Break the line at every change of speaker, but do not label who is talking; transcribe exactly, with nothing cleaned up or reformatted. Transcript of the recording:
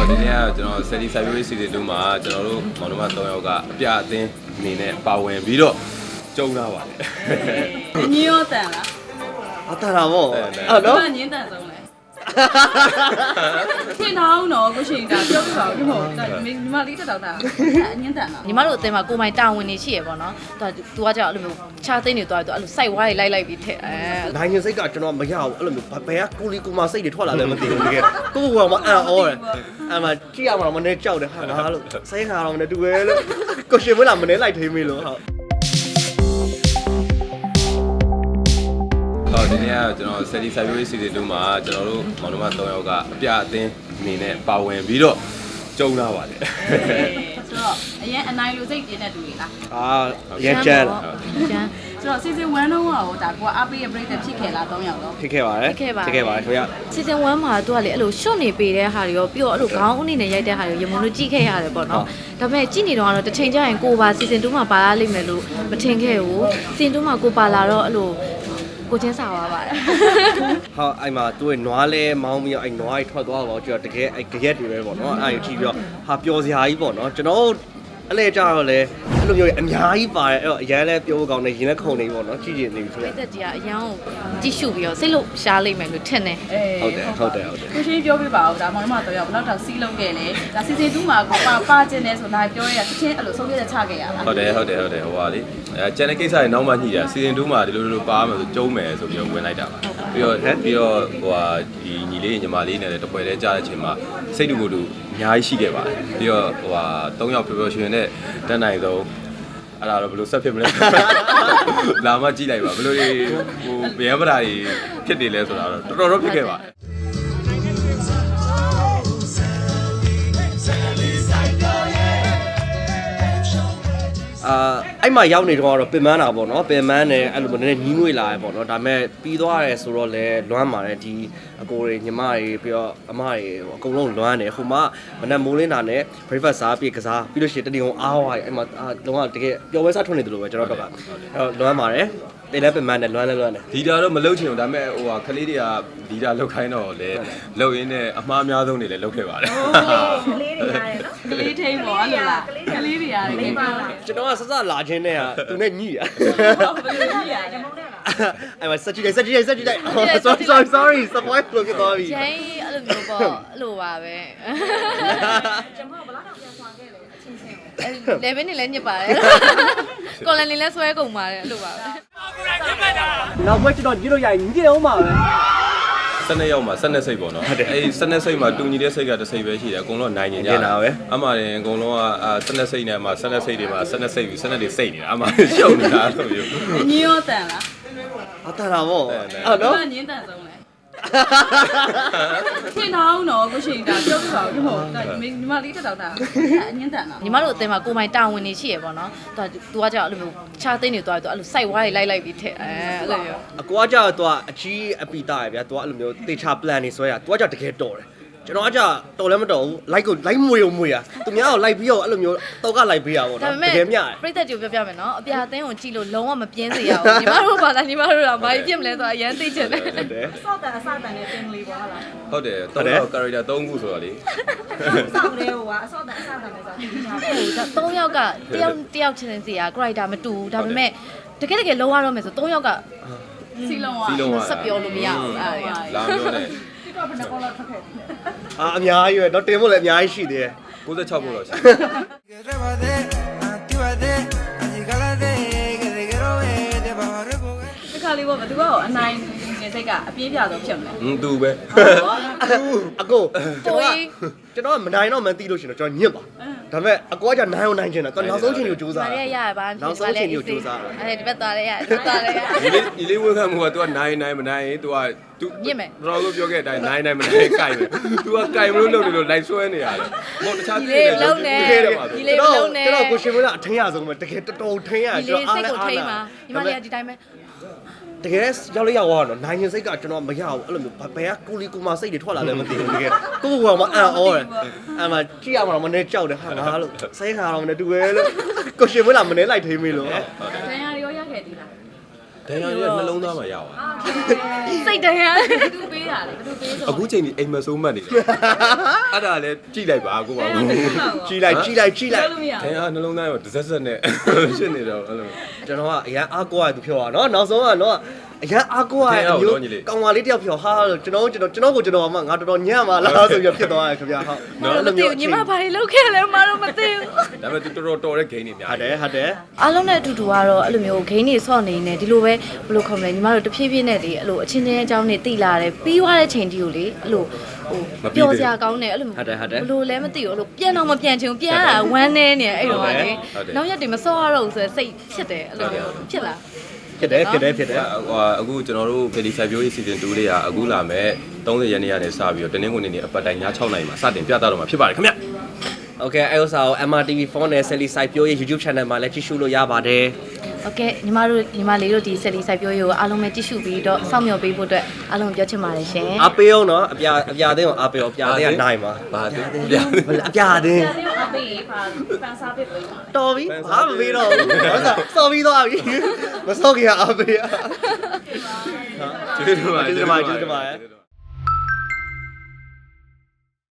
ဒီနေ့ကကျွန်တော် Steady Cyber Season twoမှာကျွန်တော်တို့မောင်နှမ၃ယောက်ကအပြအသင်းအနေနဲ့ပါဝင်ပြီးတော့ကျုံလာပါတယ်
။ညရောတန်လား
။အတန်တာပေါ့။အဲ့နော်
။ညင်းတန်ဆုံးလဲ။ခင်ထောင်းတော့ကိုရှင်ကပြောပြပါဦးဟုတ်။ညီမလေးတက်တော့တာအညင်းတန်တော့
ညီမတို့အသင်းမှာကိုမိုင်တာဝန်နေရှိရပေါ့နော်။သူကသူကကြောက်အဲ့လိုမျိုးခြားသိန်းတွေသွားပြီးတော့အဲ့လိုစိုက်ဝါးတွေလိုက်လိုက်ပြီးထက်အဲ
နိုင်ရင်စိတ်ကကျွန်တော်မရဘူးအဲ့လိုမျိုးဘယ်ကကိုလီကိုမစိတ်တွေထွက်လာလဲမသိဘူးတကယ်ကိုကမအံ့ဩတယ်အဲ့မှာကြည့်ရမှာမနေကြောက်တယ်ဟာငါလို့စိတ်ခါတော့မနေတူပဲလို့ကိုရှင်မလာမနေလိုက်ထိမေးလို့ဟုတ်
ဟောဒီနေ့ကကျွန်တော် Steady Cyber Season twoမှာကျွန်တော်တို့မောင်နှမ၃ယောက်ကအပြအသင်းအနေနဲ့ပါဝင်ပြီးတော့ကျုံလာပါတယ်
ဆိုတော့အရင်အနိုင်လူစိတ်ပြင်းတဲ့တူတွေလား
အာရကြမ်း
ကျန်း
ဆိုတော့ Season one တော့ဟောဒါကိုအားပေးရပြိတ္တဖြစ်ခဲ့လား၃ယောက်တော့
ဖြစ်ခဲ့ပါတယ်
ဖြစ်ခဲ့
ပါတယ်ခင်ဗျ
Season one မှာသူကလေအဲ့လိုရှော့နေပေးတဲ့ဟာတွေရောပြီးတော့အဲ့လိုခေါင်းအနေနဲ့ရိုက်တဲ့ဟာတွေရမုံလို့ကြည့်ခဲ့ရတယ်ပေါ့နော်ဒါပေမဲ့ကြည့်နေတော့ကတော့တစ်ချိန်ကျရင်ကိုပါ Season two မှာပါလာလိမ့်မယ်လို့မထင်ခဲ့ဘူး Season two မှာကိုပါလာတော့အဲ့လိုကိုချင်းစားသွားပါတယ်
ဟာအဲ့မှာသူ့ရဲ့နွားလဲမောင်းပြီးတော့အဲ့နွားကြီးထွက်သွားတော့ကျွန်တော်တကယ်အဲ့ကြရက်တွေပဲပေါ့နော်အဲ့ဒါကြီးကြည့်ပြီးတော့ဟာပျော်စရာကြီးပေါ့နော်ကျွန်တော်အဲ့လေကြတော့လေအဲ့လိုမျိုးအများကြီးပါတယ်အဲ့တော့အရန်လဲပြောဖို့ကောင်းတယ်ရင်လည်းခုန်နေပေါ့နော်ကြည့်ကြည့်နေပြီခင်ဗျ
ပြသက်ကြီးကအရန်ကိုကြည့်ရှုပြီးတော့စိတ်လို့ရှားလိမ့်မယ်လို့ထင်တယ်
ဟုတ်တယ်ဟုတ်တယ်ဟုတ်တယ်
ကိုရှင်ပြောပြပါဦးဒါမောင်နှမတော့ရောက်ဘယ်တော့တော့စီးလုံးခဲ့လဲဒါ Season twoမှာကိုပါပါကျင်နေဆိုတော့ပြောရတချင်းအဲ့လိုဆုံးဖြတ်ချက်ချခဲ့ရလား
ဟုတ်တယ်ဟုတ်တယ်ဟုတ်တယ်ဟိုပါလေအဲကျန်တဲ့ကိစ္စတွေနောက်မှညှိတာ Season twoမှာဒီလိုလိုပါမယ်ဆိုကျုံးမယ်ဆိုပြီးတော့ဝင်လိုက်တာပါပြီးတော့ပြီးတော့ဟိုဟာဒီညီလေးညီမလေးနဲ့တပွဲတည်းကြားတဲ့အချိန်မှာစိတ်တူကိုယ်တူအများကြီးရှိခဲ့ပါတယ်ပြီးတော့ဟိုဟာ၃ယောက်ပျော်ပျော်ရွှင်နဲ့တက်နိုင်ဆုံးအဲ့ဒါတော့ဘယ်လိုဆက်ဖြစ်မလဲလာမှကြည့်လိုက်ပါဘယ်လိုတွေဟိုဗျမ်းပဓာကြီးဖြစ်နေလဲဆိုတာတော့တော်တော်တော့ဖြစ်ခဲ့ပါတယ်
အာအဲ့မှာရောက်နေတော့ကတော့ပင်မန်းတာပေါ့နော်ပင်မန်းနဲ့အဲ့လိုမျိုးနည်းနည်းညီးငွေလာရပေါ့နော်ဒါပေမဲ့ပြီးသွားရဲဆိုတော့လဲလွမ်းပါတယ်ဒီအကိုတွေညီမတွေပြီးတော့အမတွေအကုန်လုံးလွမ်းတယ်ဟိုမှာမနက်မိုးလင်းတာနဲ့ breakfast စားပြီးကစားပြီးလို့ရှိရင်တတိယအောင်အားဝါးအဲ့မှာလုံးဝတကယ်ပျော်ပွဲစားထွက်နေတယ်လို့ပဲကျွန်တော်တို့ကအဲ့တော့လွမ်းပါတယ်တေးလည်းပင်မန်းနဲ့လွမ်းလည်းလွမ်းတယ်
ဒီတာတော့မလုတ်ချင်ဘူးဒါပေမဲ့ဟိုဟာခလေးတွေကဒီတာလုတ်ခိုင်းတော့လေလုတ်ရင်းနဲ့အမှားအများဆုံးတွေလည်းလုတ်ခဲ့ပါတယ်
ကလေးတွေရတယ်နော်ကလေးထိန်ပေါ့အဲ့လိုလားကလေးတွေရတယ်ကိပါ
ကျွန်တော်ကစစလာချင်းနဲ့ကသူနဲ့ညှိရ
ဘယ်လိုညှိရလဲ
အဲ့မှာစက်ကြည့်လိုက်စက်ကြည့်လိုက်စက်ကြည့်လိုက် sorry sorry sorry spoil လို့ပြောသွားပြီ
ကျင်းအဲ့လိုမျိုးပေါ့အဲ့လိုပါပဲ
ကျွန်တော်ဘယ်လောက်တော့ပြန်ဆွမ်းခဲ့လဲအချင်းချင်း
အဲ့လေဘင်းနေလည်းညစ်ပါတယ်ကော်လန်နေလည်းဆွဲကုန်ပါတယ်အဲ့လိုပါပဲ
နောက်ဘက်ကျွန်တော်ကြည့်လို့ရရင်ညစ်အောင်ပါပဲ
စနေရောက်မှာစနေစိတ်ပေါ့နော်အဲ့ဒီစနေစိတ်မှာတူညီတဲ့စိတ်ကတစ်စိတ်ပဲရှိတယ်အကုန်လုံးနိုင်နေကြတာပဲအမှန်အကုန်လုံးကစနေစိတ်နဲ့မှာစနေစိတ်တွေမှာစနေစိတ်ပြီးစနေတွေစိတ်နေတာအမှန်ရှုပ်နေတာလို့ပြော
ညင်းရောတန်လား
အတန်တာပေါ့
အဲ့နော်ညင်းတန်ဆုံးလဲခင်ထောင်းတော့ကိုရှင်ကပြောပြပါဦးဟုတ်ညီမလေးတက်တော့တာအညင်းတန်တော့
ညီမတို့အသင်းမှာကိုမိုင်တာဝန်နေရှိရပေါ့နော်သူကသူကကြောက်အဲ့လိုမျိုးခြားသိန်းတွေသွားပြီးတော့အဲ့လိုစိုက်ဝါးတွေလိုက်လိုက်ပြီးထက်အဲအဲ့လိုမျိုး
အကွာကြောက်သူကအကြီးအပီတာရဗျာသူကအဲ့လိုမျိုးတေချာ plan နေဆွဲရသူကကြောက်တကယ်တော်တယ်ကျွန်တော်ကကြောက်တော်လည်းမတော်ဘူး like ကို like မွေုံမွေရသူများကို like ပြီးတော့အဲ့လိုမျိုးတော့က like ပေးရပါတော့တကယ်မြ
ပြိတ္တကြိုပြောပြမယ်နော်အပြာအသင်းကိုကြည့်လို့လုံးဝမပြင်းစေရဘူးညီမတို့ဘာသာညီမတို့ကဘာပြစ်မလဲဆိုတော့အရန်သိချင်တယ်
ဟုတ်တယ်စောက်တန်အစတန်နဲ့တင်လေးပေါ့ဟုတ်လား
ဟုတ်တယ်တော့ character သုံးခုဆိုတော့လေ
စောက်လေးဟိုကအစောက်တန်အစတန်နဲ့ဆိုတော့
သုံးယောက်ကတယောက်တယောက်ချင်းစီက character မတူဘူးဒါပေမဲ့တကယ်တကယ်လုံးဝတော့မယ်ဆိုသုံးယောက်က
စီလုံးက
ဆက်ပြောလို့မရဘူးအဲ့
ဒါလာပြောတယ်
ဘယ်နှကောလောက်ထွက်ခဲ့
အာအများကြီးပဲတော့တင်ဖို့လည်းအများကြီးရှိသေးတယ်
ကိုးဆယ်ခြောက်ဖို့တော့ရှိ
ဒီခါလေးပေါ့ဘယ်သူကအနိုင်နေစိတ်ကအပြေးပြတော့ဖြစ်မလဲ
ဟင်းသူပဲ
အကိုကျွန်တော်ကျွန်တော်မနိုင်တော့မသိလို့ရှင်တော့ကျွန်တော်ညစ်ပါဒါပေမဲ့အကွာကနိုင်အောင်နိုင်ချင်တာတော်နောက်ဆုံးချိန်ကိုစူးစမ်း
တာရရပါ
နောက်ဆုံးချိန်ကိုစူးစမ်း
အဲ့ဒီဘက်သွားရရသွားရရ
ဒီလေးဒီလေးဝေခံမှုက तू ကနိုင်နိုင်မနိုင် तू က तू
ညစ်မယ်
တော်တော်ပြောခဲ့တဲ့အတိုင်းနိုင်နိုင်မနိုင်ကြိုက်မယ် तू ကကြိုက်မလို့လုပ်နေလို့လိုက်ဆွဲနေရတယ်မဟုတ်တခြား
ပြည်နေလုံးနေဒီလေးလုံးနေ
ကျွန်တော်ကိုရှင်မကအထင်းရဆုံးပဲတကယ်တော်တော်ထင်းရ
ကျွန်တော်အားလည်းအားလာညီမလေးကဒီတိုင်းပဲ
တကယ်ရောက်လေးရောက်သွားတော့နိုင်ရင်စိတ်ကကျွန်တော်မရဘူးအဲ့လိုမျိုးဘယ်ကကိုလီကိုမစိတ်တွေထွက်လာလဲမသိဘူးတကယ်ကိုကမအံ့ဩတယ်အဲ့မှာကြည့်ရမှာမနေကြောက်တယ်ဟာငါလို့စိတ်ခါတော့မနေတူပဲလို့ကိုရှင်မလာမနေလိုက်ထိမေးလို့
ဒဏ်ရာရောရခဲ့သေးလား
ဒဏ်ရာရနှလုံးသားမှာရောက်သွား
စိတ်ဒဏ်ရာ
သူပေးပေးတာလေဘယ်သူပေးဆို
အခုချိန်ဒီအိမ်မဆိုးမှတ်နေတယ်အဲ့ဒါလည်းကြည့်လိုက်ပါကိုပါဘူး
ကြည်လိုက်ကြည်လိုက်ကြည်လိုက်
လို့မရ
ခင်ဗျာနှလုံးသားရောတစ်စက်စက်နဲ့ဖြစ်နေတော့အဲ့လို
ကျွန်တော်ကအရန်အားကိုးရသူပြောတာနော်နောက်ဆုံးကတော့အရန်အားကိုးရအမျိုးကောင်မလေးတယောက်ပြောဟာကျွန်တော်ကျွန်တော်ကျွန်တော်ကိုကျွန်တော်မှငါတော်တော်ညံ့ပါလားဆိုပြီးဖြစ်သွားတယ်ခင်ဗျာဟုတ်
နော်အဲ့လိုမျိုးညီမဘာတွေလုပ်ခဲ့လဲမတော့မသိဘူး
ဒါပေမဲ့သူတော်တော်တော်တဲ့ဂိမ်းတွေများ
ဟုတ်တယ်ဟုတ်တယ်
အားလုံးနဲ့အတူတူကတော့အဲ့လိုမျိုးဂိမ်းတွေဆော့နေနေဒီလိုပဲဘယ်လိုခေါ်မလဲညီမတို့တဖြည်းဖြည်းနဲ့လေအဲ့လိုအချင်းချင်းအကြောင်းတွေတိလာတယ်ပြီးသွားတဲ့ချိန်တီကိုလေအဲ့လိုဟိုပျော်စရာကောင်းတယ်အဲ့လိုဘယ်လိုလဲမသိဘူးအဲ့လိုပြန်တော့မပြန်ချင်ဘူးပြန်တာဝမ်းနေနေအဲ့တော့ကလေနောက်ရက်တွေမဆော့ရတော့ဘူးဆိုတော့စိတ်ဖြစ်တယ်အဲ့လိုဖြစ်လာ
ဖြစ်တယ်ဖြစ်တယ်ဖြစ်တယ်
ဟိုအခုကျွန်တော်တို့ဗီဒီစိုက်ပျိုးရေး season two လေးကအခုလာမဲ့30ရက်နေ့ကနေစပြီးတော့တင်းနှင်းကုန်နေနေအပတ်တိုင်းည6နာရီမှာစတင်ပြသတော့မှာဖြစ်ပါတယ်ခင်ဗျ
โอเคအဲ့ဥစ္စာကို M R T V four နဲ့ Sally Site ပြောရေး YouTube channel မှာလည်းကြည့်ရှုလို့ရပါတယ်
โอเคညီမတို့ညီမလေးတို့ဒီဆက်လီစိုက်ပျိုးရေးကိုအားလုံးပဲကြည့်ရှုပြီးတော့စောင့်မျှော်ပေးဖို့အတွက်အားလုံးပြောချင်ပါတယ်ရှင်
အားပေးအောင်နော်အပြာအပြာသိအောင်အားပေးအောင်အပြာသိကနိုင်ပါ
ဘာသူ
အပြာသိ
ဒါလေးကိုအပေးပါပန်စားပေးပေးပါ
တော်ပြီဘာမပေးတော့ဘူးဟုတ်လားစော်ပြီးသွားပြီမစော်ခင်အားပေး
ကျေးဇူးပါ
ကျေးဇူးပါကျေးဇူးပါ